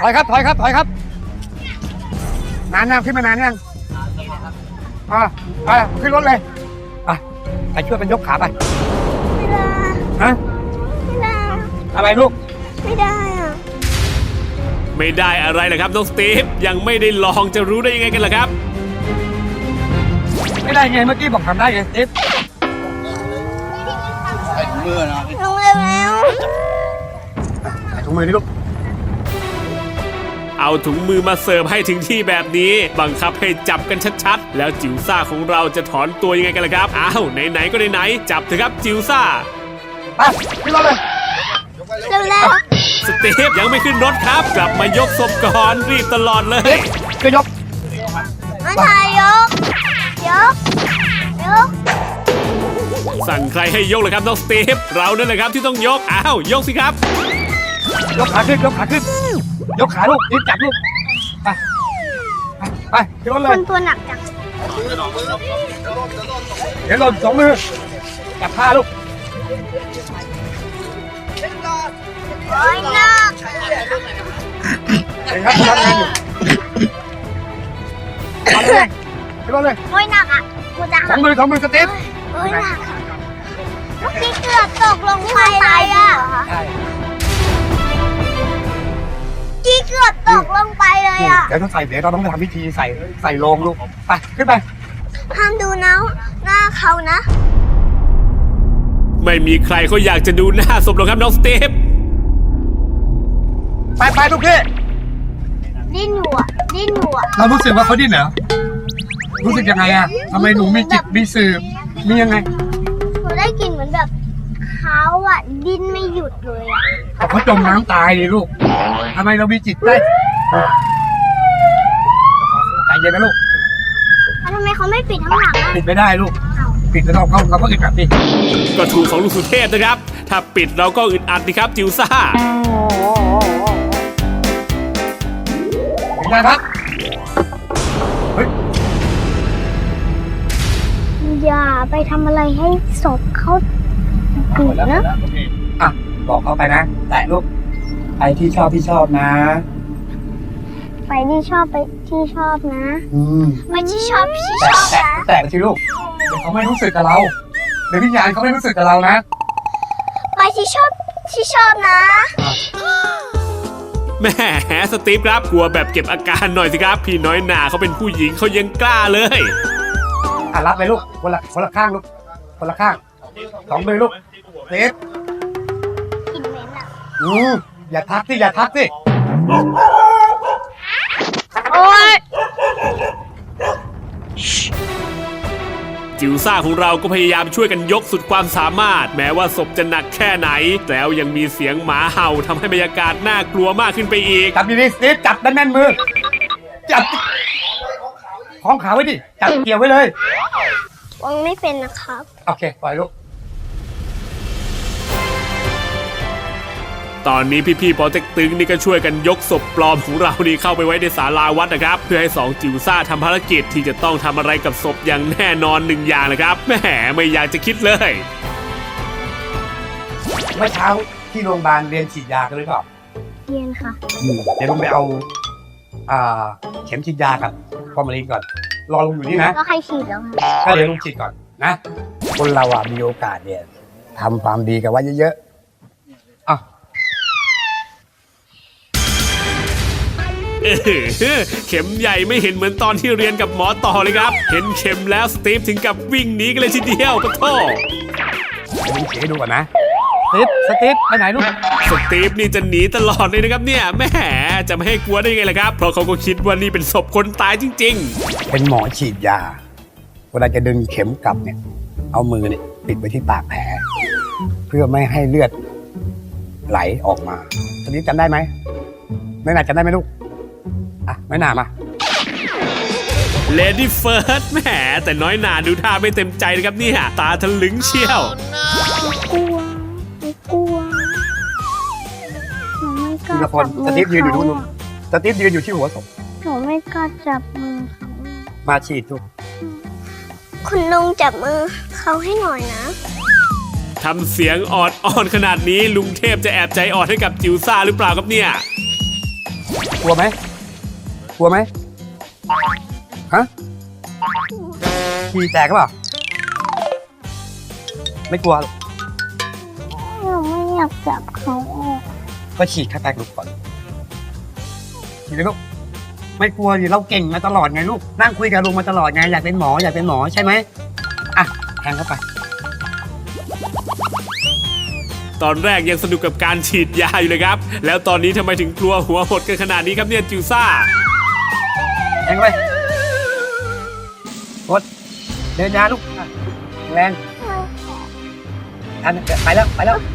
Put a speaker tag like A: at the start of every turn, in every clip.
A: อยครับถอยครับถอยครับนานยังขึ้นมานานยังไปขึ้นรถเลยไปช่วยกันยกขาไป
B: ไม่ได้
A: ฮะ
B: ไม่ได้
A: อะไรลูก
B: ไม่ได้อ่ะ
C: ไม่ได้อะไรเหรอครับน้องสตีฟยังไม่ได้ลองจะรู้ได้ยังไงกันล่ะครับ
A: ไม่ได้ไงเมื่อกี้บอกทำได้ไงติ๊บ
B: ลงเร็วแล้ว
A: ใส่ถุงมือนี่ลูก
C: เอาถุงมือมาเสิร์ฟให้ถึงที่แบบนี้บังคับให้จับกันชัดๆแล้วจิ๋วซ่าของเราจะถอนตัวยังไงกันล่ะครับอ้าวไหนๆก็ไหนๆจับเถอะครับจิ๋วซ่า
A: ไปขึ้นรถเลย
B: เร็วแล้ว
C: สตีฟยังไม่ขึ้นรถครับกลับมายกศพก่อนรีบตลอดเลย
A: ก็ยก
B: มาถ่ายยกยก
C: สั่งใครให้ยกเลยครับน้องสตีฟเรานั่นแหละครับที่ต้องยกอ้าวยกสิครับ
A: ยกขาขึ้นยกขาขึ้นยกขาลูกรีบจับลูกไปขึ้นรถเล
B: ค
A: ย
B: นตัวหนักจัง
A: เดี๋ยวหล่นสองมือจับผ้าลูก
B: โอ้ยหนัก
A: เห็นครับทำงานอยู่เอาเลยขึ้นรถเลย
B: โอ้ยหนักอ่ะกูจะ
A: สองมือสติ๊บ
B: โอ้ยหนักเมื่อกี้เกือบตกลงไปเลยอ่ะ
A: ใช่
B: กี้เกือบตกลงไปเลยอ่ะ
A: เดี๋ยวต้องใส่เดี๋ยวเราต้องไปทำพิธีใส่โลงลูกไปขึ้นไป
B: ห้ามดูนะหน้าเขานะ
C: ไม่มีใครเขาอยากจะดูหน้าศพหรอกครับน้องสตีฟ
A: ไปลูกพี่
B: ดิ้นอยู่อ่ะดิ้นอยู่อ่ะ
A: เรารู้สึกว่าเขาดิ้นเหรอรู้สึกยังไงอะทำไมหนูมีจิตมีสืบมียังไง
B: หนูได้กลิ่นเหมือนแบบเขาอ่ะดิ้นไม่หยุดเลยอ่ะ
A: เขาจมน้ำตายดิลูกทำไมเรามีจิตได้ใจเย็นนะลูก
B: แล้วทำไมเขาไม่ปิดข้างหลังอ่ะ
A: ปิดไม่ได้ลูกปิดแล้วเราก็อึดอัดดิ
C: ก็ถูกของลุงสุเทพนะครับถ้าปิดเราก็อึดอัดดิครับจิ๋วซ่า
A: เป็นไงครับเฮ้ย
B: อย่าไปทำอะไรให้ศพเขาปิดนะ
A: อ่ะบอกเขาไปนะแตะลูกไปที่ชอบนะ
B: ไปที่ชอบไปที่ชอบนะ ไปที่ชอบที่ชอบนะ
A: แตะสิลูกเดี๋ยวเขาไม่รู้สึกกับเราเดี๋ยววิญญาณเขาไม่รู้สึกกับเรานะ
B: ไปที่ชอบนะ
C: แหม่สตีฟครับกลัวแบบเก็บอาการหน่อยสิครับพี่น้อยหนาเขาเป็นผู้หญิงเขายังกล้าเลย
A: รับไปลูกคนละข้างลูกคนละข้างสองมือลูกเซฟ
B: กลิ่นเหม็นอ่ะ
A: อย่าทักสิ
B: โอ๊ย
C: จิ๋วซ่าของเราก็พยายามช่วยกันยกสุดความสามารถ แม้ว่าศพจะหนักแค่ไหนแล้วยังมีเสียงหมาเห่าทำให้บรรยากาศน่ากลัวมากขึ้นไปอีก
A: จับดีๆเซฟจับแน่นๆมือจับคล้องขาไว้ดิจับเกี่ยวไว้เลย
B: วางไม่เป็นนะครับ
A: โอเคปล่อยลูก
C: ตอนนี้พี่ๆปอเต็กตึงนี่ก็ช่วยกันยกศพปลอมของเรานี่เข้าไปไว้ในศาลาวัดนะครับเพื่อให้สองจิ๋วซ่าทำภารกิจที่จะต้องทำอะไรกับศพอย่างแน่นอนหนึ่งอย่างนะครับแหมไม่อยากจะคิดเลย
A: เมื่อเช้าที่โรงพยาบาลเรียนฉีดยากันหรือเปล่า
B: เรียนค่ะ
A: เดี๋ยวลุงไปเอาเข็มฉีดยากับฟอร์มาลีนก่อนรอลุงอยู่นี่นะ
B: แล้วใครฉีดแล้วคะ
A: ถ้าเดี๋ยวลุงฉีดก่อนนะคนเรามีโอกาสเนี่ยทำความดีกันไว้เยอะๆอ่ะ
C: เข็มใหญ่ไม่เห็นเหมือนตอนที่เรียนกับหมอต่อเลยครับเห็นเข็มแล้วสตีฟถึงกับวิ่งหนีกันเลยทีเดียวปะโถ
A: เดี๋ยวลุงฉีดให้ดูก่อนนะสติ๊ปไปไหนลูก
C: สตีฟนี่จะหนีตลอดเลยนะครับเนี่ยแหมจะไม่ให้กลัวได้ยังไงล่ะครับเพราะเขาก็คิดว่านี่เป็นศพคนตายจริง
A: เป็นหมอฉีดยาเวลาจะดึงเข็มกลับเนี่ยเอามือเนี่ยติดไปที่ปากแผลเพื่อไม่ให้เลือดไหลออกมาสติ๊ปจำได้ไหมไม่น่าจำได้ไหมลูกอ่ะไม่น่ามา
C: ๆ Lady First แหมแต่น้อยหนาดูท่าไม่เต็มใจนะครับเนี่ยตาทะลึงเชียว
B: กลัวหนูไม่ก
A: ที
B: ล้า
A: ละคน
B: จับ
A: ส
B: มื
A: ติ๊ปยืนอยู่
B: เขา
A: นู่นสติ๊ปยืนอยู่ที่หัวศพ
B: หนูไม่กล้าจับมือเขา
A: มาฉีดทุก
B: คุณลุงจับมือเขาให้หน่อยนะ
C: ทำเสียงออดอ่อนขนาดนี้ลุงเทพจะแอบใจอ่อนให้กับจิ๋วซ่าหรือเปล่าครับเนี่ย
A: กลัวไหมกลัวไหมฮะฉี่แตกหรือเปล่าไม่กลัวหรอก
B: หนูไม่อยากจับเขาออก
A: ก็ฉีดแค่แตกลูกก่อนฉีดเลยลูกไม่กลัวดิเราเก่งมาตลอดไงลูกนั่งคุยกับลุงมาตลอดไงอยากเป็นหมอใช่ไหมอ่ะแทงเข้าไป
C: ตอนแรกยังสนุกกับการฉีดยาอยู่เลยครับ แล้วตอนนี้ทำไมถึงกลัวหัวหดกันขนาดนี้ครับเนี่ยจิวซ่า
A: แทงเข้าไปกดเดินยาลูกแรงทันไปแล้วไปแล้ว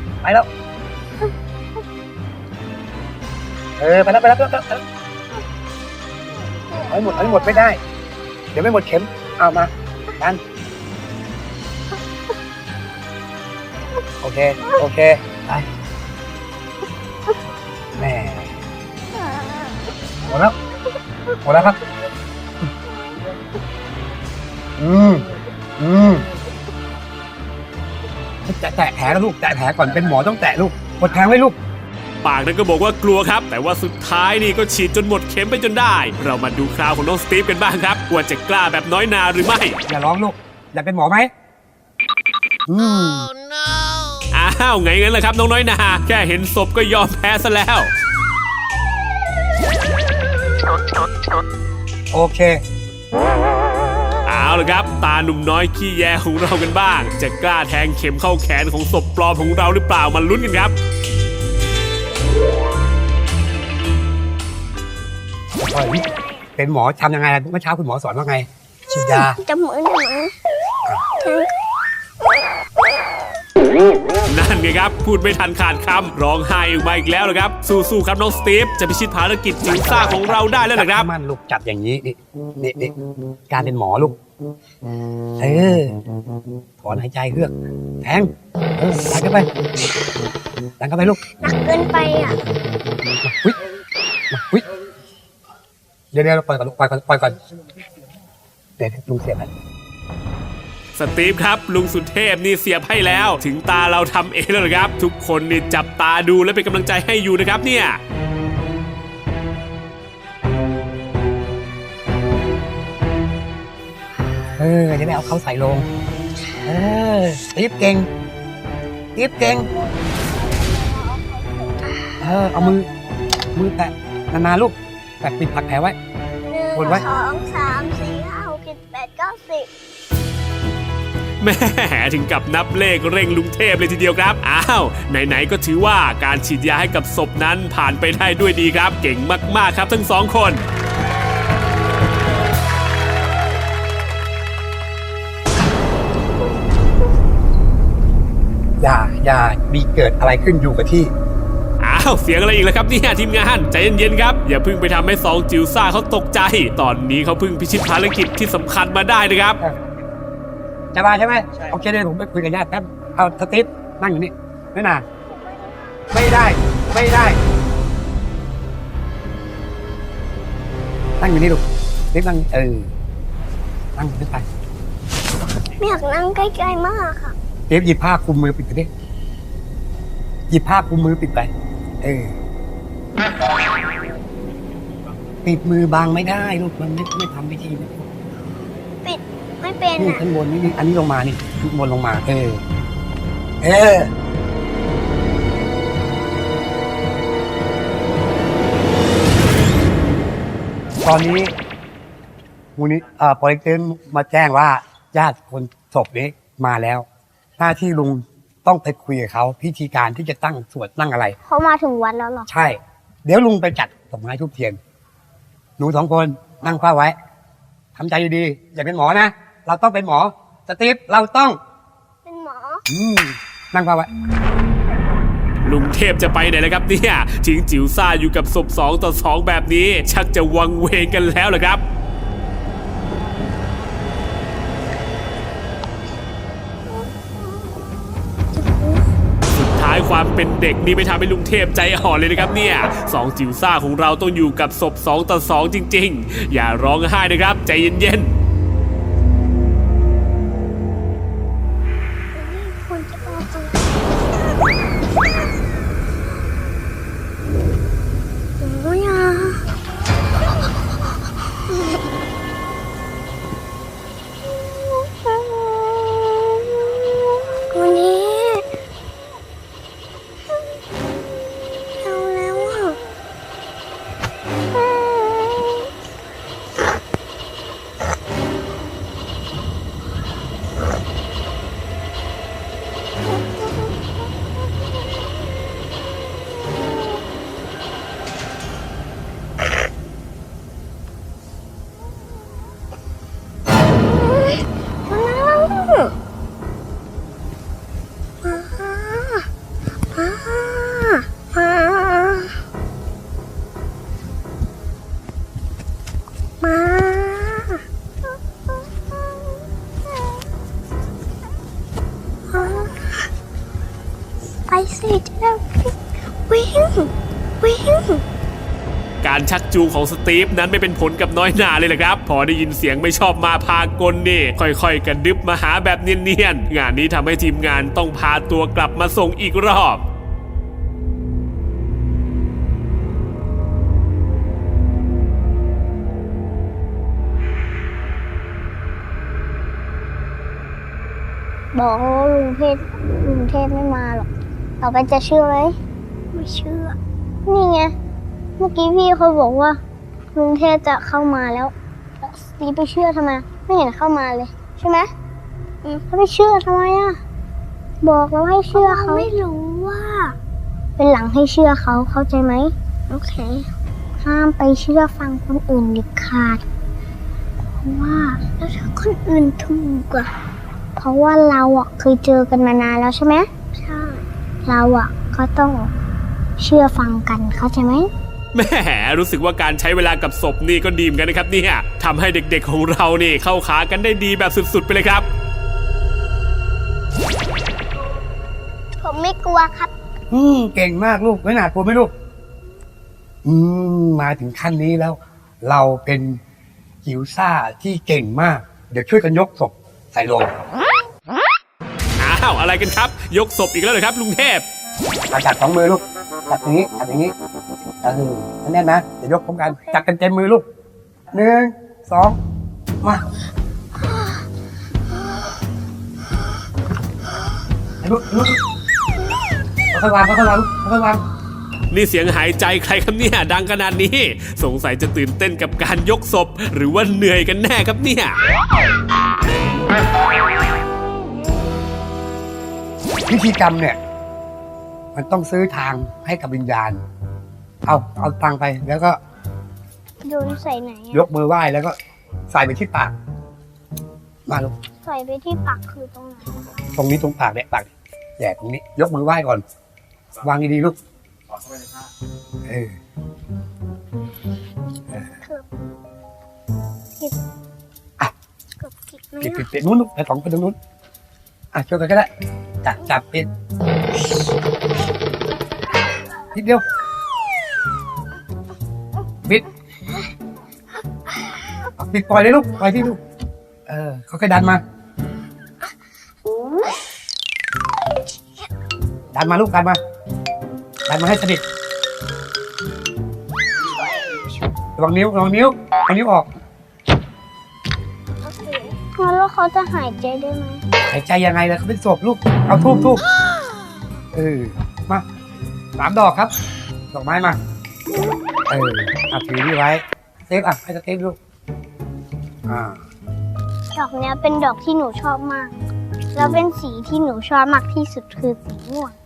A: ไปแล้วเอาให้หมดไม่ได้ เดี๋ยวไม่หมดเข็มเอามาดันโอเคไปแม่หมดแล้วครับจะแตะแผลแล้วลูกแตะแผลก่อนเป็นหมอต้องแตะลูกกดแทงไว้ลูก
C: ปากนั้นก็บอกว่ากลัวครับ แต่ว่าสุดท้ายนี่ก็ฉีดจนหมดเข็มไปจนได้ เรามาดูคราวของน้องสตีฟกันบ้างครับว่าจะกล้าแบบน้อยนาหรือไม่
A: อย่าร้องลูกอยากเป็นหมอไหม
C: อ้าวไงงั้นล่ะครับน้องน้อยนาแค่เห็นศพก็ยอมแพ้ซะแล้ว
A: โอเค
C: เอาละครับตาหนุ่มน้อยขี้แยของเรากันบ้าง จะกล้าแทงเข็มเข้าแขนของศพปลอมของเราหรือเปล่ามาลุ้นกันครับ
A: เป็นหมอทำยังไงเมื่อเช้าคุณหมอสอนว่าไงฉีดยา
B: จับมือหนู
C: นั่นไงครับพูดไม่ทันขาดคำร้องไห้ออกมาอีกแล้วนะครับสู้ๆครับน้องสตีฟจะพิชิตภารกิจจิ๋วซ่าของเราได้แล้วนะครับ
A: มันลูกจับอย่างนี้นี่การเป็นหมอลูกถอนหายใจเฮือกแทงดันเข้าไปลูก
B: หนักเกินไปอ่ะ
A: วิเดี๋ยวปล่อยก่อนลูกปล่อยก่อนเดี๋ยวลุงเสียบให้
C: สตีฟครับลุงสุเทพนี่เสียบให้แล้วถึงตาเราทำเองแล้วนะครับทุกคนนี่จับตาดูและเป็นกำลังใจให้อยู่นะครับเนี่ย
A: จะได้เอาเขาใส่ลงติ๊บเก่งเอามือแตะนานๆลูกแตะปิดผักแผลไว้
B: 1
A: วนไว้
B: 2 3 4 5 6 7 8 9 10
C: แม่ถึงกับนับเลขเร่งลุงเทพเลยทีเดียวครับอ้าวไหนๆก็ถือว่าการฉีดยาให้กับศพนั้นผ่านไปได้ด้วยดีครับเก่งมากๆครับทั้งสองคน
A: อย่ามีเกิดอะไรขึ้นอยู่กับที่
C: อ้าวเสียงอะไรอีกแล้วครับเนี่ยทีมงานใจเย็นๆครับอย่าเพิ่งไปทำให้สองจิ๋วซ่าเขาตกใจตอนนี้เขาเพิ่งพิชิตภารกิจที่สำคัญมาได้นะครับ
A: จะมาใช่ไหมโอเคเดี๋ยวผมไปคุยกับญาติแป๊บเอาสติ๊ฟนั่งอยู่นี่ไม่นานไม่ได้นั่งอยู่นี่ลูกสติ๊ฟนั่งนั่งขึ้นไป
B: ไม่อยากนั่งใกล้ๆมากค่ะ
A: สติ๊ฟหยิบผ้าคลุมมือปิดไปดิหยิบผ้าคลุมมือปิดไปปิดมือบังไม่ได้ลูกมันไม่ทำพิธี
B: ปิดไม่เป็น
A: นี่
B: อ่ะ
A: ข้างบนนี่อันนี้ลงมานี่ข้างบนลงมาตอนนี้มูลนิธิโปรเจกต์มาแจ้งว่าญาติคนศพนี้มาแล้วหน้าที่ลุงต้องไปคุยกับเขาพิธีการที่จะตั้งสวดตั้งอะไร
B: เขามาถึงวัดแล้วเหรอ
A: ใช่ เดี๋ยวลุงไปจัดดอกไม้ทูบเทียนหนู2 คนนั่งเฝ้าไว้ทำใจดีๆอย่าเป็นหมอนะเราต้องเป็นหมอสตีฟเราต้อง
B: เป็นหมอ
A: นั่งเฝ้าไว้
C: ลุงเทพจะไปไหนแล้วครับเนี่ยทิ้งจิ๋วซ่าอยู่กับศพ2 ต่อ 2แบบนี้ชักจะวังเวงกันแล้วเหรอครับสุดท้ายความเป็นเด็กนี่ไม่ทำให้ลุงเทพใจอ่อนเลยนะครับเนี่ย2 จิ๋วซ่าของเราต้องอยู่กับศพ2 ต่อ 2จริงๆอย่าร้องไห้นะครับใจเย็นๆ
B: คนจะเอาจริงหนูอยาสิจะได้วิ่งวิ่ง
C: การชักจูงของสตีฟนั้นไม่เป็นผลกับน้อยหนาเลยแหละครับ พอได้ยินเสียงไม่ชอบมาพากลนี่ค่อยๆกระดึบมาหาแบบเนียนๆงานนี้ทำให้ทีมงานต้องพาตัวกลับมาส่งอีกรอบ
B: บอกว่าลุงเทพไม่มาหรอกต่อไปจะเชื่อไหมไม่เชื่อนี่ไงเมื่อกี้พี่เขาบอกว่าลุงเทพจะเข้ามาแล้วนี่ไปเชื่อทำไมไม่เห็นเข้ามาเลยใช่ไหมเขาไปเชื่อทำไมอ่ะบอกแล้วให้เชื่อเขาไม่รู้ว่าเป็นหลังให้เชื่อเขาเข้าใจไหมโอเคห้ามไปเชื่อฟังคนอื่นเด็ดขาดเพราะว่าแล้วถ้าคนอื่นถูกอะเพราะว่าเราอะเคยเจอกันมานานแล้วใช่ไหมใช่เราอะก็ต้องเชื่อฟังกันเข้าใจไหม
C: แหมรู้สึกว่าการใช้เวลากับศพนี่ก็ดีเหมือนกันนะครับเนี่ยทำให้เด็กๆของเรานี่เข้าขากันได้ดีแบบสุดๆไปเลยครับ
B: ผมไม่กลัวครับ
A: เก่งมากลูกไม่หนาดกลัวไหมลูกมาถึงขั้นนี้แล้ว เราเป็นจิ๋วซ่าที่เก่งมาก เดี๋ยวช่วยกันยกศพใส่โลง
C: อ้าวอะไรกันครับ ยกศพอีกแล้วเหรอครับลุงเทพ
A: จับสองมือลูกจับอย่างนี้จับอย่างนี้แน่นนะเดี๋ยวยกพร้อมกันจับกันเต็มมือลูก1 2มาลูกค่อยๆวางค่อยๆวางค่อยๆวาง
C: นี่เสียงหายใจใครครับเนี่ยดังขนาดนี้ สงสัยจะตื่นเต้นกับการยกศพหรือว่าเหนื่อยกันแน่ครับเนี่ย
A: พิธีกรรมเนี่ยมันต้องซื้อทางให้กับวิญญาณเอาตังค์ไปแล้วก็
B: โยนใส่ไหน
A: ยกมือไหว้แล้วก็ใส่ไปที่ปากมาลูก
B: ใส่ไปที่ปากคือตรงไหน
A: ตรงนี้ตรงปากเนี่ยปากแย่ตรงนี้ ยกมือไหว้ก่อน วางดีๆลูกเออ
B: ผิด
A: อ่ะ
B: เกือบผิดไหม
A: ปิดนู้นลูกไปสองคนตรงนู้นช่วยกันก็ได้จับปิดนิดเดียวปิดปล่อยเลยลูกปล่อยที่ลูกเขาแค่ดันมาลูกดันมาให้สนิทระวังนิ้วออก
B: แล้วเขาจะหายใจได้ไหม
A: หายใจยังไงล่ะเขาเป็นศพลูกเอาทูบมา3 ดอกครับดอกไม้มาถือนี่ไว้เซฟให้สเซฟลูก
B: ดอกเนี้ยเป็นดอกที่หนูชอบมากแล้วเป็นสีที่หนูชอบมากที่สุดคือสีม่วง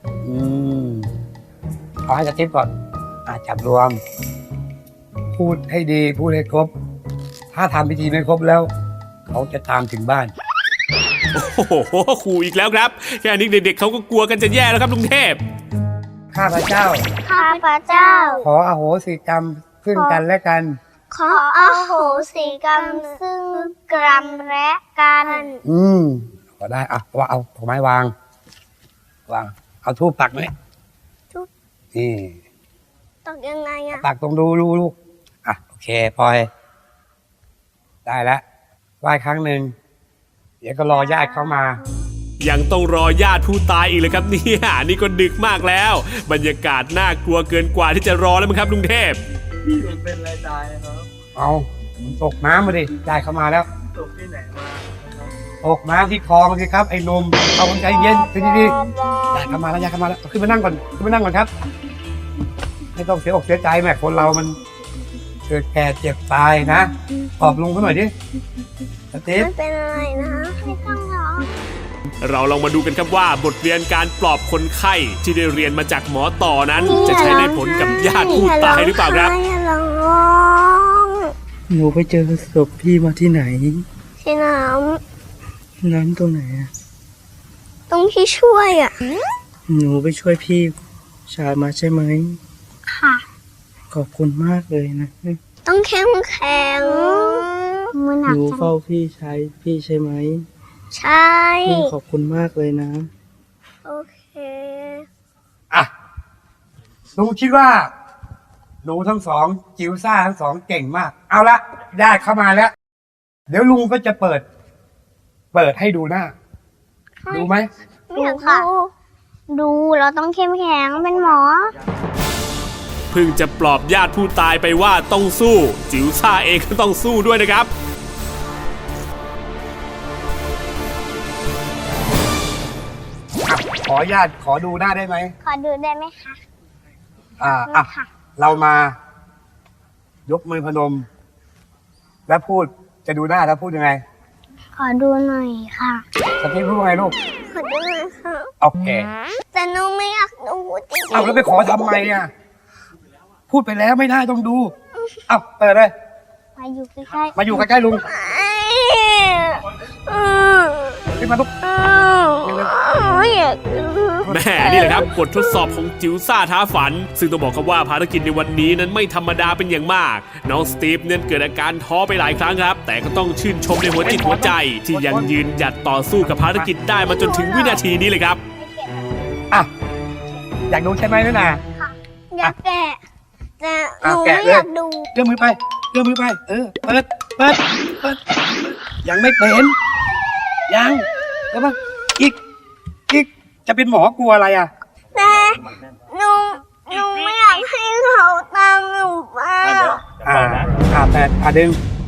A: เอาให้สเซฟก่อนจับรวมพูดให้ดีพูดให้ครบถ้าทำพิธีไม่ครบแล้วเขาจะตามถึงบ้าน
C: โอ้โหขู่อีกแล้วครับแค่นี้เด็กๆเขาก็กลัวกันจะแย่แล้วครับลุงเทพ
A: ข้าพเจ้าขออโหสิกรรมซึ่งกันและกัน
B: ขออโหสิกรรมซึ่งกันและกัน
A: ก็ได้ว่าเอาดอกไม้วางเอาธูปปักไหมนี่
B: ปักยังไง
A: ปักตรงดูลูกโอเคพลอยได้แล้วไหว้ครั้งหนึ่งเดี๋ยวก็รอญาติเข้ามา
C: ยังต้องรอญาติผู้ตายอีกเลยครับเนี่ยนี่ก็ดึกมากแล้วบรรยากาศน่ากลัวเกินกว่าที่จะรอแล้วมั้งครับลุงเทพ
D: พี่มันเป็นอะไรตายครับ
A: ตกน้ำมาดิญาติเข้ามาแล้ว
D: ตกที่ไหนมา
A: ตกน้ำที่คลองสิครับไอ้นมเอาใจเย็นดีๆญาติเข้ามาแล้วขึ้นมานั่งก่อนครับไม่ต้องเสียอกเสียใจแม่คนเรามันเกิดแก่เจ็บตายนะปลอบลุงเขาหน่อยดิสตีฟ
B: ไม่เป็นอะไรนะไม่ต้องร้อง
C: เราลองมาดูกันครับว่าบทเรียนการปลอบคนไข้ที่ได้เรียนมาจากหมอต่อนั้นจะใช้ได้ผลกับญาติผู้ตายหรือเปล่าครับ
D: หนูไปเจอศพพี่มาที่ไหน
B: ที่
D: น้ำตรงไหน
B: ตรงที่ช่วย
D: หนูไปช่วยพี่ชายมาใช่ไหม
B: ค่ะ
D: ขอบคุณมากเลยนะ
B: ต้องเข้มแข็ง
D: หนูเฝ้าพี่ใช่ไหม
B: ใช่
D: พี่ขอบคุณมากเลยนะ
B: โอเค
A: ลุงคิดว่า หนูทั้งสองจิ๋วซ่าทั้งสองเก่งมาก เอาละญาติเข้ามาแล้ว เดี๋ยวลุงก็จะเปิดให้ดูหน้า ดูไหม
B: ไม่อยากค่ะ ดูเราต้องเข้มแข็งเป็นหมอ
C: เพิ่งจะปลอบญาติผู้ตายไปว่าต้องสู้ จิ๋วซ่าเองก็ต้องสู้ด้วยนะครับ
A: ขอญาติขอดูหน้าได้ไหม
B: ขอดูได้ไหมคะ
A: ค่ะ เรามายกมือพนม แล้วพูดจะดูหน้าแล้วพูดยังไง
B: ขอดูหน่อยค่ะ
A: สตีฟพูดว่าไงลูก
B: ขอดูหน่อยค่ะ
A: โอเค
B: แต่หนูไม่อยากดูจริง
A: เอาแล้วไปขอทำไมอ่ะ พูดไปแล้วไม่ได้ต้องดู เอาเปิดเลย
B: มาอยู่ใกล้ๆ
A: มาอยู่ใกล้ๆลุง
B: อืม
A: ขึ้นมาลูก
B: ไม่อยากดู
C: แม่นี่แหละครับบททดสอบของจิ๋วซ่าท้าฝัน ซึ่งต้องบอกครับว่าภารกิจในวันนี้นั้นไม่ธรรมดาเป็นอย่างมาก น้องสตีฟเนี่ยเกิดอาการท้อไปหลายครั้งครับ แต่ก็ต้องชื่นชมในหัวจิตหัวใจ ที่ยังยืนหยัดต่อสู้กับภารกิจได้มาจนถึงวินาทีนี้เลยครับ
A: อ่ะ อยากดูใช่ไหมนี่นา
B: อยากแกะแต่ห
A: อ่ะ
B: นู
A: แกะ
B: ไม่
A: เลย
B: อยากดู
A: เลื่อนมือไปเลื่อนมือไป เปิดยังไม่เป็นยังแล้วป่ะอีก จะเป็นหมอกลัวอะไรอ่ะ
B: แต่หนูไม่อยากให้เขาตามหนูไป
A: แต่ดึง